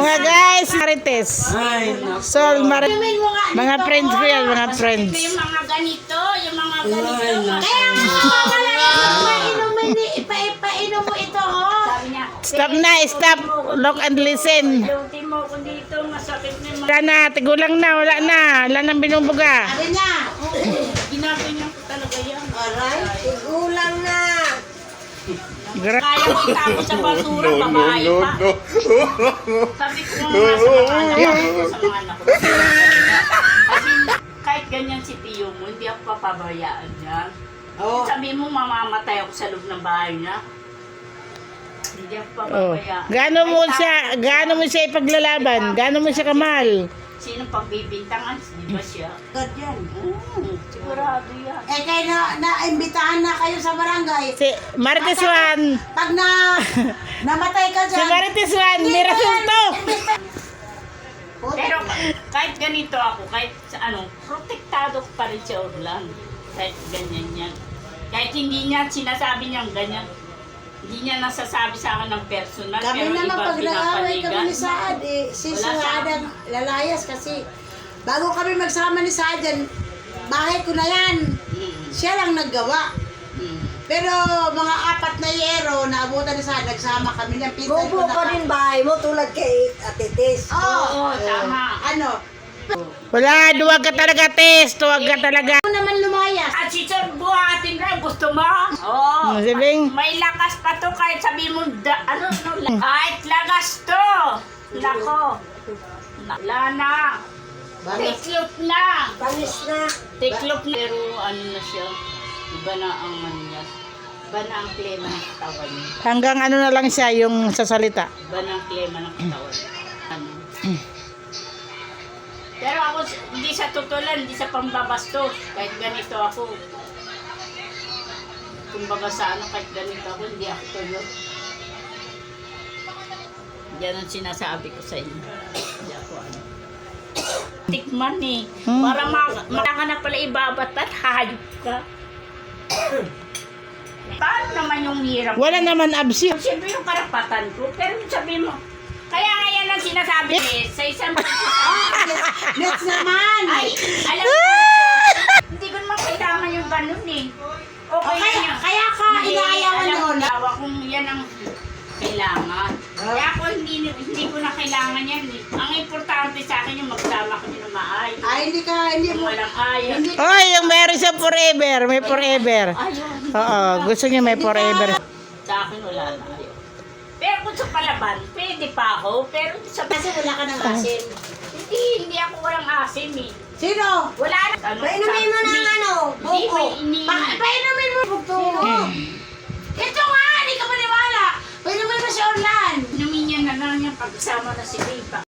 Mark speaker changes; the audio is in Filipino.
Speaker 1: Mga guys, Marites. So, mga friends ko yan, mga friends.
Speaker 2: Yung mga ganito, yung mga ganito.
Speaker 3: Kaya nga, wala yung ipainom mo ito, oh.
Speaker 2: Sabi niya,
Speaker 1: Stop na, stop. Look and listen.
Speaker 2: luti mo ko dito, masakit na yung mga...
Speaker 1: Wala na, tigulang na, wala na. Wala nang binubuga.
Speaker 3: Sabi niya.
Speaker 2: Ginaganyan ko talaga yan.
Speaker 3: Aray, tigulang na.
Speaker 2: Kaya ko itapo sa basura, babae pa. Sabi ko nga sa mga anak ko. Kasi kahit ganyan si Tiyo mo, hindi ako papabayaan niya.
Speaker 3: Oh.
Speaker 2: Sabi mo, mamamatay ako sa loob ng bahay niya. Hindi ako
Speaker 1: Oh.
Speaker 2: papabayaan.
Speaker 1: Gaano mo siya ipaglalaban? Gaano mo siya kamahal?
Speaker 2: Sinong pagbibintangan? Di ba siya?
Speaker 3: God yan.
Speaker 2: Sigurado yan.
Speaker 3: Eh, kayo na-imbitahan na kayo sa barangay.
Speaker 1: Si Marites Juan.
Speaker 3: Pag namatay ka
Speaker 1: Si
Speaker 3: dyan.
Speaker 1: Marites Juan, may resulto.
Speaker 2: Pero kahit ganito ako, kahit ano, protektado ko pa rin si Orlan. Kahit ganyan yan. Kahit hindi niya sinasabi niyang ganyan. Hindi niya nasasabi sa akin ng personal.
Speaker 3: Kami
Speaker 2: pero
Speaker 3: naman
Speaker 2: iba
Speaker 3: pag nag-aaway
Speaker 2: pinapanigan.
Speaker 3: kami ni Saad, si
Speaker 2: Wala sa
Speaker 3: Saad ang lalayas kasi bago kami magsama ni Saad yan, bahay ko na yan. Siya lang naggawa. Pero mga 4 na yero na abutan ni Saad, nagsama kami ng pinsan ko
Speaker 4: Bubo pa rin bahay mo tulad kay Ate Tess.
Speaker 2: Oo, tama.
Speaker 3: Ano?
Speaker 1: Wala, duwag ka talaga, Tess. Duwag ka talaga.
Speaker 3: Ako naman lumayas.
Speaker 2: At si Sir buhatin rin, gusto mo? Oo.
Speaker 1: Si Bing.
Speaker 2: May lakas pa to kahit sabi mo, kahit lagas to. Nako. Wala na. Tiklop na.
Speaker 4: Panis na.
Speaker 2: Tiklop na. Pero ano na siya, iba na ang ano niya. Iba na ang klema ng katawan niya.
Speaker 1: Hanggang ano na lang siya, yung sa salita.
Speaker 2: Iba na ang klema ng katawan niya. Ano. Pero ako, hindi sa tutulan, hindi sa pambabastos. Kahit ganito ako. Kumbaga sa ano, kahit ganito ako, hindi ako tuyo. Yan ang sinasabi ko sa inyo. Hindi ako ano. Tikman eh. Para ka na pala ibabat at hayop ka. Paano naman yung hirap?
Speaker 1: Wala naman absi.
Speaker 2: Siyempre yung karapatan ko. Pero sabi mo, kaya nga yan ang sinasabi eh, sa isang
Speaker 3: Next naman.
Speaker 2: ay, alam mo, hindi ko naman kailangan yung ganun eh. Okay,
Speaker 3: Okay,
Speaker 2: na.
Speaker 3: kaya ka inaayawan
Speaker 2: Alam mo,
Speaker 3: noon.
Speaker 2: dawa kung yan ang kailangan. Kaya ako hindi ko na kailangan yan eh. Ang importante sa akin yung magsama kami ng maayos.
Speaker 3: Ay, hindi
Speaker 2: Yung
Speaker 3: mo.
Speaker 2: walang ayos.
Speaker 3: Hindi.
Speaker 1: Oy, yung meron siya forever. May forever.
Speaker 2: Ayun.
Speaker 1: Oo, gusto niya may forever.
Speaker 2: Sa akin wala na ayun. Pero kung sa palaban, pwede pa ako. Pero sa
Speaker 3: Kasi wala ka ng asin.
Speaker 2: hindi ako walang asim eh.
Speaker 3: Sino?
Speaker 2: Wala na. Ano,
Speaker 4: Painumin mo ng ano,
Speaker 2: Hindi,
Speaker 4: buko.
Speaker 3: Painumin mo bugto. Ito nga, hindi ka maniwala. Painumin mo si Orlan.
Speaker 2: Inumin niya na lang yung pagsama na si Riva.